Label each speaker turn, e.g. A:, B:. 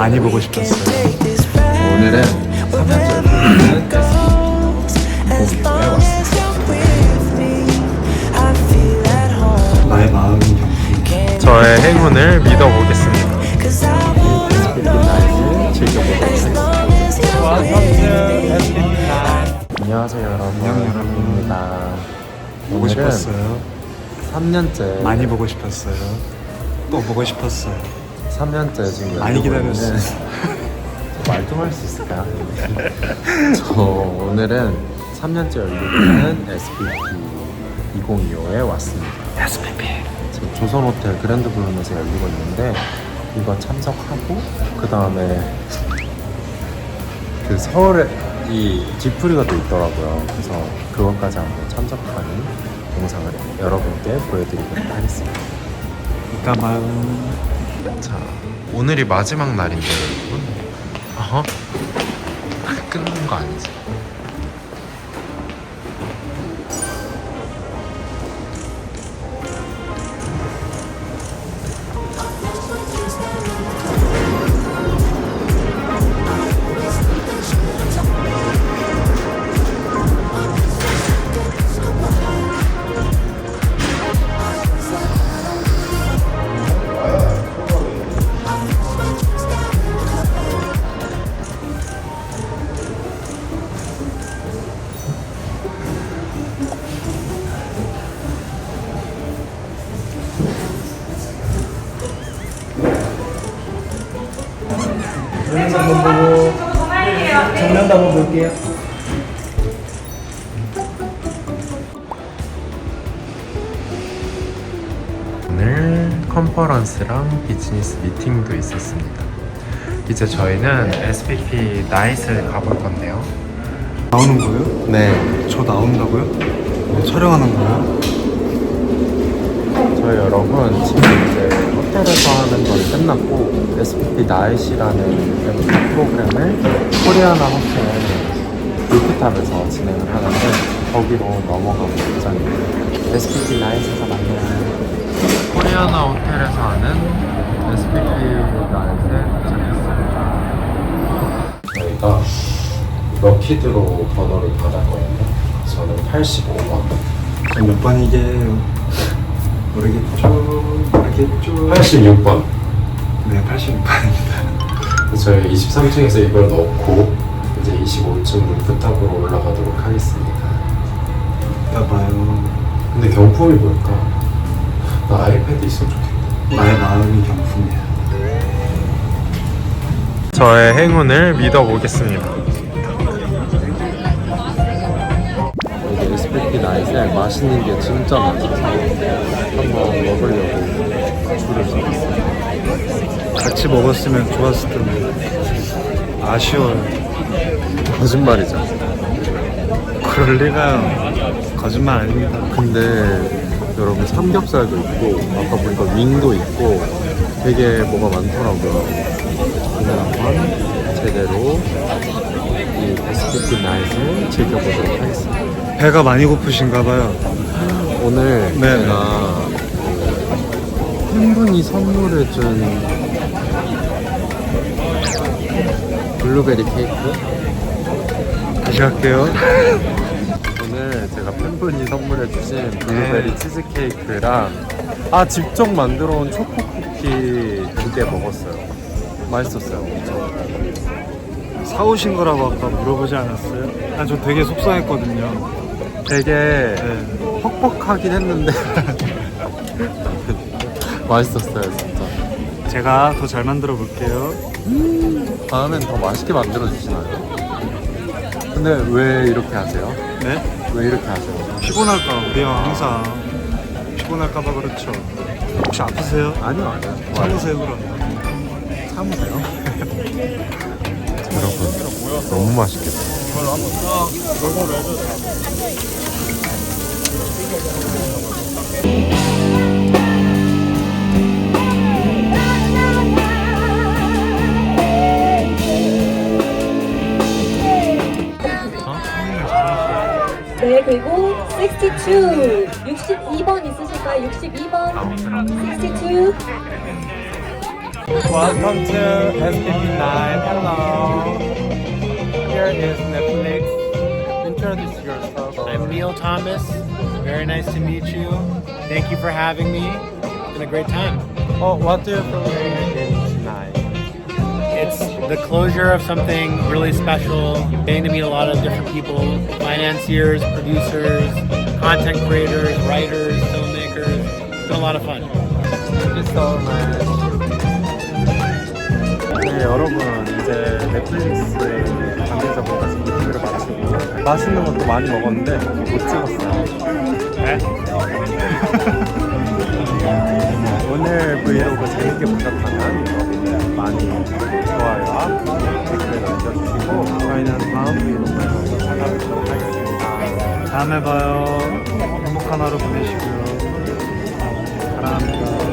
A: 많이 보고 싶었어요.
B: 오늘은 3년째 보는 SBP에 왔습니다.
A: 나의 마음이 경품.
C: 저의 행운을 믿어보겠습니다.
B: SBP 나이를 즐겨보도록 하겠습니다. 안녕하세요 여러분.
A: 안녕,
B: 여러분입니다.
A: 보고 싶었어요.
B: 3년째
A: 많이 보고 싶었어요. 또 보고 싶었어요.
B: 3년째 지금
A: 많이 기다렸어요.
B: 말 좀 할 수 있을까요? 저 오늘은 3년째 열리고 있는 SBP 2025에 왔습니다.
A: SBP.
B: 지금 조선호텔 그랜드 블룸에서 열리고 있는데 이거 참석하고 그 다음에 그 서울에 이 디프리가 또 있더라고요. 그래서 그것까지 한번 참석하는 영상을 여러분께 보여드리도록 하겠습니다.
A: 이따 마음.
C: 자, 오늘이 마지막 날인데 여러분. 어허? 끊는 거 아니지?
A: 정면도 한번 보고. 정면도 한번 볼게요.
C: 오늘 컨퍼런스랑 비즈니스 미팅도 있었습니다. 이제 저희는 SBP 나잇을 가볼 건데요.
A: 나오는 거예요?
B: 네,
A: 저 나온다고요? 촬영하는 거예요?
B: 저희 여러분 지금 이제 호텔에서 하는 건 끝났고 SBP 나잇이라는 프로그램을 코리아나 호텔 루프탑에서 진행을 하는데 거기로 넘어가고 예정입니다. SBP 나잇에서 만나요.
C: 코리아나 호텔에서 하는 SBP 나잇에 도착했습니다.
B: 저희가 럭키드로 번호를 받았거든요. 저는 85번.
A: 몇 번이게요? 모르겠죠?
B: 86번.
A: 네, 86번입니다.
B: 저희 23층에서 이걸 넣고 이제 25층 루프탑으로 올라가도록 하겠습니다.
A: 이따 봐요.
B: 근데 경품이 뭘까? 나 아이패드 있으면 좋겠다.
A: 나의 마음이 경품이야.
C: 저의 행운을 믿어보겠습니다.
B: 여기 SBP 나잇에 맛있는 게 진짜 많아서 한번 먹으려고 줄을 서봤어요.
A: 같이 먹었으면 좋았을 텐데. 아쉬워요.
B: 거짓말이죠.
A: 그럴 리가요. 거짓말 아닙니다.
B: 근데 여러분 삼겹살도 있고 아까 보니까 윙도 있고 되게 뭐가 많더라고요. 오늘 한번 제대로 이 SBP 나잇을 즐겨보도록 하겠습니다.
A: 배가 많이 고프신가 봐요.
B: 오늘
A: 네.
B: 제가 그 팬분이 선물해준 블루베리 케이크
A: 다시 갈게요.
B: 오늘 제가 팬분이 선물해주신 블루베리 치즈케이크랑 직접 만들어온 초코 쿠키 2개 먹었어요. 맛있었어요. 엄청.
A: 사오신 거라고 아까 물어보지 않았어요? 저 되게 속상했거든요.
B: 되게
A: 네.
B: 퍽퍽하긴 했는데 맛있었어요 진짜.
A: 제가 더 잘 만들어 볼게요.
B: 다음엔 더 맛있게 만들어 주시나요? 근데 왜 이렇게 하세요?
A: 네?
B: 왜 이렇게 하세요?
A: 피곤할까? 우리 형 항상 피곤할까봐 그렇죠. 혹시 아프세요?
B: 아니요 아니요.
A: 참으세요 그럼.
B: 참으세요. 여러분 너무 맛있겠다.
D: 네, 그리고 62, 62번 있으실까요? 62번, 62.
C: Welcome to SPP9. Hello. Here is Netflix. Introduce yourself.
E: I'm Neil Thomas. Very nice to meet you. Thank you for having me. It's been a great time.
C: Oh, what do you feel in tonight?
E: It's the closure of something really special. Getting to meet a lot of different people, financiers, producers, content creators, writers, filmmakers. It's been a lot of fun.
C: Thank you so much.
B: 네, 여러분 이제 넷플릭스에 관계자분까지 리뷰를 마치고 맛있는 것도 많이 먹었는데 못 찍었어요.
A: 네?
B: 오늘 브이로그 재밌게 보셨다면 여러분 많이 좋아요와 댓글 남겨주시고 저희는 다음 브이로그에서 찾아뵙도록 하겠습니다.
A: 다음에 봐요. 행복한 하루 보내시고요. 사랑합니다.